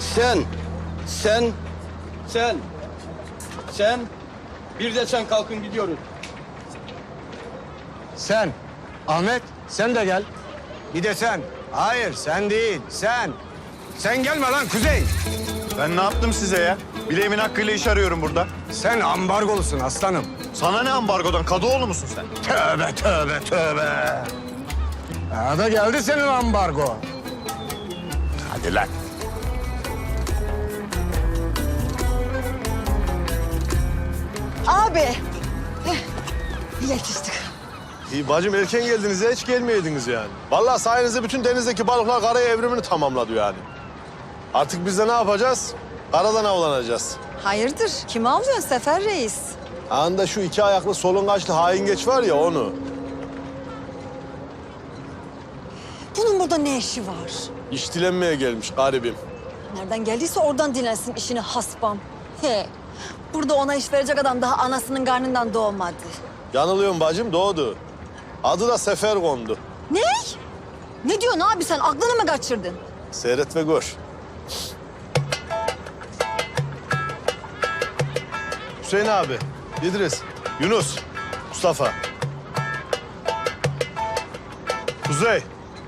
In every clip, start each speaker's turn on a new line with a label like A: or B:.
A: Sen, bir de sen kalkın gidiyoruz.
B: Sen, Ahmet, sen de gel. Bir de sen. Hayır, sen değil, sen. Sen gelme lan Kuzey.
C: Ben ne yaptım size ya? Bileğimin hakkıyla iş arıyorum burada.
B: Sen ambargolusun aslanım.
C: Sana ne ambargodan? Kadıoğlu musun sen?
B: Tövbe, tövbe, tövbe. Ha da geldi senin ambargo.
C: Hadi lan.
D: Abi. Yetiştik.
E: İyi bacım erken geldiniz ya hiç gelmeyeydiniz yani. Vallahi sayenizde bütün denizdeki balıklar karaya evrimini tamamladı yani. Artık biz de ne yapacağız? Karadan avlanacağız.
D: Hayırdır? Kimi avlıyorsun Sefer Reis?
E: Anında şu iki ayaklı solungaçlı haingeç var ya onu.
D: Bunun burada ne işi var?
E: İş dilenmeye gelmiş garibim.
D: Nereden geldiyse oradan dinlensin işini haspam. He. Burada ona iş verecek adam daha anasının karnından doğmadı.
E: Yanılıyorum bacım doğdu. Adı da Sefer kondu.
D: Ne? Ne diyorsun abi sen? Aklını mı kaçırdın?
E: Seyret ve gör. Hüseyin abi, İdris, Yunus, Mustafa. Kuzey.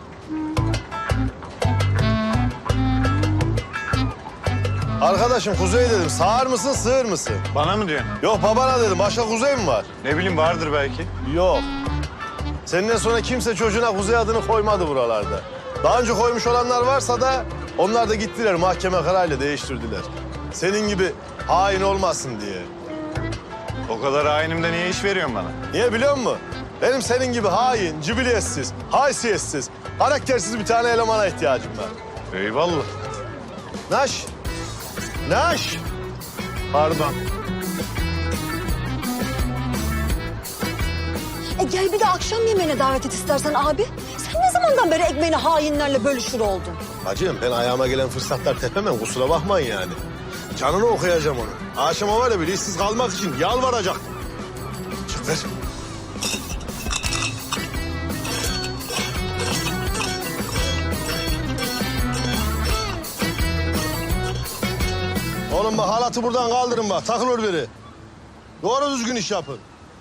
E: Arkadaşım Kuzey dedim. Sağır mısın, sığır mısın?
C: Bana mı diyorsun?
E: Yok babana dedim. Başka Kuzey mi var?
C: Ne bileyim vardır belki.
E: Yok. Senden sonra kimse çocuğuna Kuzey adını koymadı buralarda. Daha önce koymuş olanlar varsa da onlar da gittiler mahkeme kararıyla değiştirdiler. Senin gibi hain olmasın diye.
C: O kadar hainimde niye iş veriyorsun bana?
E: Niye biliyor musun? Benim senin gibi hain, cibiliyetsiz, haysiyetsiz, karaktersiz bir tane elemana ihtiyacım var.
C: Eyvallah.
E: Naş. Naş. Pardon.
D: Gel bir de akşam yemeğine davet et istersen abi. Sen ne zamandan beri ekmeğini hainlerle bölüşür oldun?
E: Hacım ben ayağıma gelen fırsatlar tepemem kusura bakmayın yani. Canını okuyacağım onu. Akşama var ya bir işsiz kalmak için yalvaracak. Çık ver. Oğlum bak halatı buradan kaldırın bak takılır biri. Doğru düzgün iş yapın.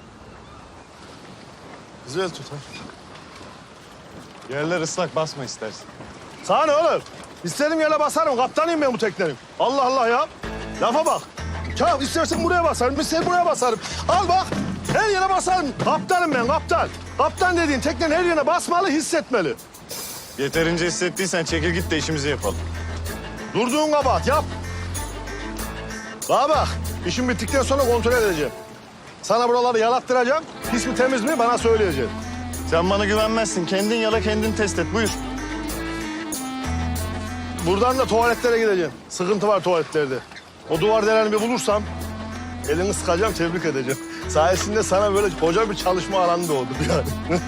E: Güzel tut ha.
C: Yerler ıslak basma istersen.
E: Sana ne oğlum? İstediğim yere basarım. Kaptanıyım ben bu teknenin. Allah Allah ya. Lafa bak. Ya istersen buraya basarım, istersen buraya basarım. Al bak. Her yere basarım. Kaptanım ben, kaptan. Kaptan dediğin teknenin her yerine basmalı, hissetmeli.
C: Yeterince hissettiysen çekil git de işimizi yapalım.
E: Durduğun kabahat yap. Bana bak. İşim bittikten sonra kontrol edeceğim. Sana buraları yalattıracağım. Pis mi temiz mi bana söyleyeceksin.
C: Sen bana güvenmezsin. Kendin yala kendin test et. Buyur.
E: Buradan da tuvaletlere gideceğim. Sıkıntı var tuvaletlerde. O duvar deleni bir bulursam elini sıkacağım, tebrik edeceğim. Sayesinde sana böyle koca bir çalışma alanı doğdu yani.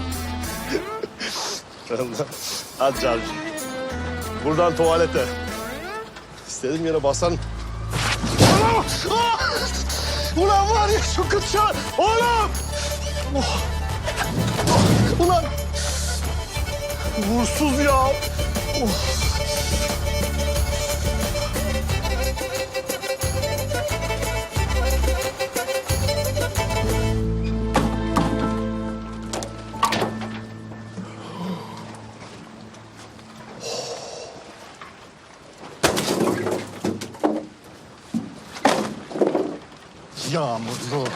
E: Allah. Hadi Cavcı. Buradan tuvalete. İstediğim yere basan. Ulan! Ah! Ulan var ya şu kıtçan! Oğlum! Oh! Ulan! Vursuz ya! Oh!
C: Yağmurlu.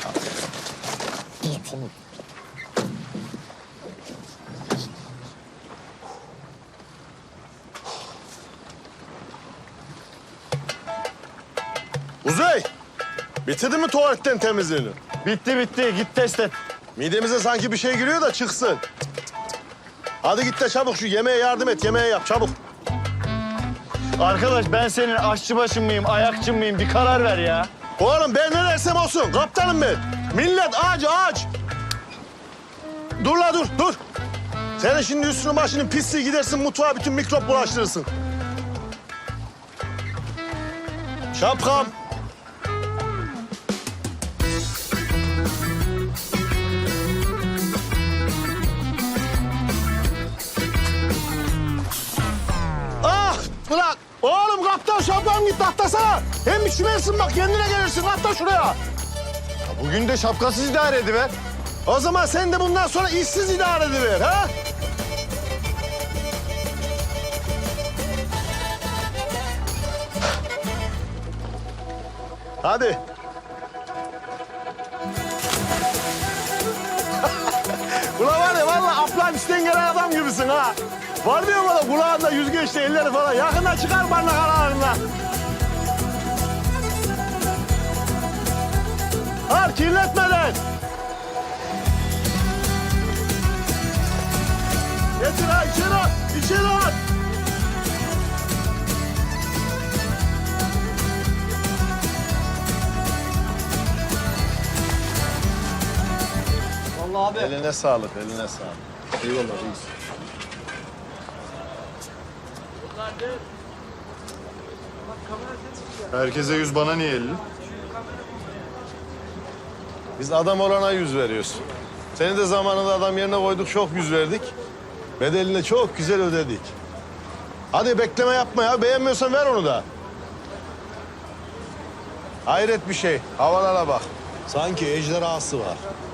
E: Kuzey! Bitirdin mi tuvaletten temizliğini?
C: Bitti bitti. Git test et.
E: Midemize sanki bir şey giriyor da çıksın. Hadi git de çabuk şu yemeğe yardım et, yemeğe yap çabuk.
C: Arkadaş ben senin aşçıbaşın mıyım, ayakçın mıyım? Bir karar ver ya.
E: Oğlum ben ne dersem olsun, kaptanım ben. Millet aç. Dur la dur. Senin şimdi üstünün başının pisliği gidersin mutfağa bütün mikrop bulaştırırsın. Şapkam. Ah! Ulan! Oğlum kaptan şapkan git atlasana. Hem üşümersin bak kendine gelirsin atla şuraya.
C: Bugün de şapkasız idare ediver.
E: O zaman sen de bundan sonra işsiz idare ediver ha? Hadi. Ulan var ya vallahi Afganistan gelen adam gibisin ha. Var diyor bana kulağında yüzgeçli elleri falan. Yakında çıkar barnak aralarına. Har kirletmeden. Getir ha içeri at. İçeri at.
A: Vallahi abi.
C: Eline sağlık, eline sağlık. Eyvallah reis. Herkese 100, bana niye 50? Biz adam olana 100 veriyoruz. Seni de zamanında adam yerine koyduk, çok 100 verdik. Bedelini de çok güzel ödedik. Hadi bekleme yapma ya, beğenmiyorsan ver onu da. Hayret bir şey, havalara bak. Sanki ejderhası var.